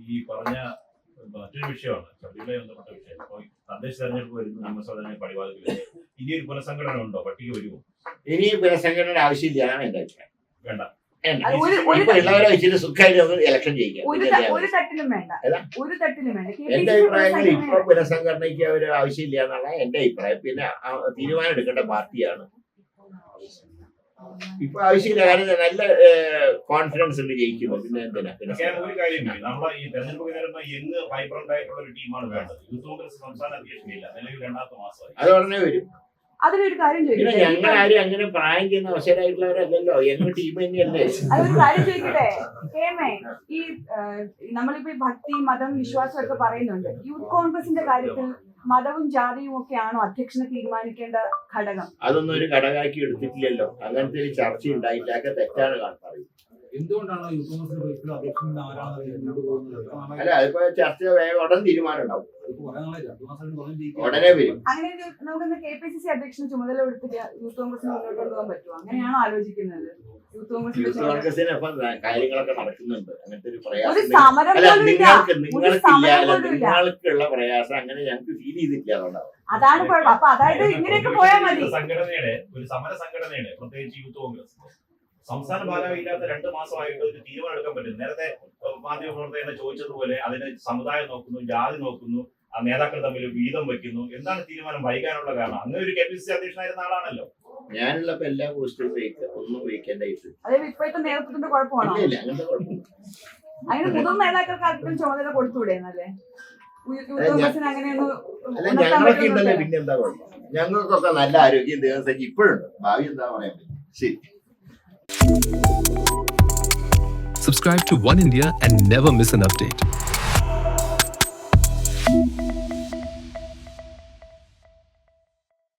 ഈ പറഞ്ഞ മറ്റൊരു വിഷയമാണ് ശബരിമലയെ ബന്ധപ്പെട്ട വിഷയം. അപ്പോൾ തദ്ദേശ തെരഞ്ഞെടുപ്പ് വരുന്നു, നിയമസഭ തെരഞ്ഞെടുപ്പ് പടിവാതിൽ. ഇനി ഒരു പുനഃസംഘടന ഉണ്ടോ? പട്ടിക വരുമോ? ഇനി പുനഃസംഘടന ആവശ്യമില്ല എന്നാണ് എന്റെ അഭിപ്രായം. വേണ്ട. ഉള്ളവരെ വെച്ചിട്ട് സുഖമായിട്ട് ഇലക്ഷൻ ചെയ്യിക്കാം. ഒരു തട്ടിലും വേണ്ട. എന്റെ അഭിപ്രായത്തിൽ ഇപ്പൊ പുനഃസംഘടനയ്ക്ക് ഒരു ആവശ്യമില്ല എന്നുള്ള എന്റെ അഭിപ്രായം. പിന്നെ തീരുമാനം എടുക്കേണ്ട പാർട്ടിയാണ്. ഇപ്പൊ ആവശ്യമില്ല, കാരണം നല്ല കോൺഫിഡൻസ് ഉണ്ട് ജയിക്കുന്നു. പിന്നെ എന്തിനാ ഒരു കാര്യം, നമ്മളെ ഈ തെരഞ്ഞെടുപ്പ് നേരിടുന്ന യങ് വൈബ്രന്റ് ആയിട്ടുള്ള ഒരു ടീമാണ് വേണ്ടത്. യൂത്ത് കോൺഗ്രസ് സംസ്ഥാന അധ്യക്ഷനില്ല, നിലവിൽ 2ാമത്തെ മാസമായി. അത് ഉടനെ വരും. അതിലൊരു കാര്യം പിന്നെ ഞങ്ങളാരും അങ്ങനെ പ്രായം ചെയ്യുന്ന അവസരമായിട്ടുള്ളവരല്ലല്ലോ, യങ് ടീം തന്നെയല്ലേ. അതൊരു കാര്യം ചോദിക്കട്ടെ കേമേ, ഈ നമ്മളിപ്പോ ഭക്തി മതം വിശ്വാസം ഒക്കെ പറയുന്നുണ്ട്. യൂത്ത് കോൺഗ്രസിന്റെ കാര്യത്തിൽ മതവും ജാതിയും ഒക്കെയാണോ അധ്യക്ഷനെ തീരുമാനിക്കേണ്ട ഘടകം? അതൊന്നും ഒരു ഘടകമാക്കി എടുത്തിട്ടില്ലല്ലോ. അങ്ങനത്തെ ഒരു ചർച്ച ഉണ്ടായിട്ടൊക്കെ തെറ്റാണ് പറയുന്നത്. എന്തുകൊണ്ടാണ് അല്ല, അതിപ്പോ ചർച്ച ഉടൻ തീരുമാനം ഉണ്ടാവും, ഉടനെ വരും. അങ്ങനെ നമുക്ക് KPCC അധ്യക്ഷന് ചുമതല കൊടുത്തിട്ട് യൂത്ത് കോൺഗ്രസിന് മുന്നോട്ട് കൊണ്ടുപോകാൻ പറ്റുമോ? അങ്ങനെയാണോ ആലോചിക്കുന്നത്? യൂത്ത് കോൺഗ്രസിന് ഇപ്പൊ കാര്യങ്ങളൊക്കെ നടക്കുന്നുണ്ട്. അങ്ങനത്തെ ഒരു ഒരു പ്രയാസം സമരം അല്ല, പോലും ഇല്ല. നിങ്ങൾക്കുള്ള പ്രയാസം അങ്ങനെ ഞങ്ങൾക്ക് ഫീൽ ചെയ്തിട്ടില്ല. അതുകൊണ്ടാവും. അതാണ് കുഴപ്പം. അപ്പൊ അതായത് ഇങ്ങനെയൊക്കെ പോയാൽ മതി. ഒരു സമര സംഘടനയുടെ പ്രത്യേകിച്ച് യൂത്ത് കോൺഗ്രസ് സംസ്ഥാന ഭാരമില്ലാത്ത 2 മാസമായിട്ട് ഒരു തീരുമാനം എടുക്കാൻ പറ്റും. നേരത്തെ മാധ്യമ പ്രവർത്തകരെ ചോദിച്ചതുപോലെ അതിന് സമുദായം നോക്കുന്നു, ജാതി നോക്കുന്നു, ആ നേതാക്കൾ തമ്മിൽ വീതം വെക്കുന്നു. എന്താണ് തീരുമാനം വൈകാനുള്ള കാരണം? അങ്ങനെ ഒരു KPCC അധ്യക്ഷനായിരുന്ന ആളാണല്ലോ. ഞാനുള്ളപ്പോ എല്ലാ പോസ്റ്റും ഒന്നും വഹിക്കേണ്ടായിട്ട്. അതായത് ഇപ്പോഴത്തെ നേതൃത്വത്തിന്റെ കുഴപ്പമാണോ? ഇല്ല, അങ്ങനത്തെ കുഴപ്പമില്ല. അതിന് മുതിർന്ന നേതാക്കൾക്ക് ആർക്കും ചുമതല കൊടുത്തൂടെ? എന്നല്ലേ അല്ല, ഞങ്ങളൊക്കെ ഉണ്ടല്ലോ, പിന്നെ എന്താ കുഴപ്പം? ഞങ്ങൾക്കൊക്കെ നല്ല ആരോഗ്യം ദിവസം ഇപ്പോഴുണ്ട്. ഭാവി എന്താ പറയാൻ പറ്റും. ശരി. Subscribe to One India and never miss an update.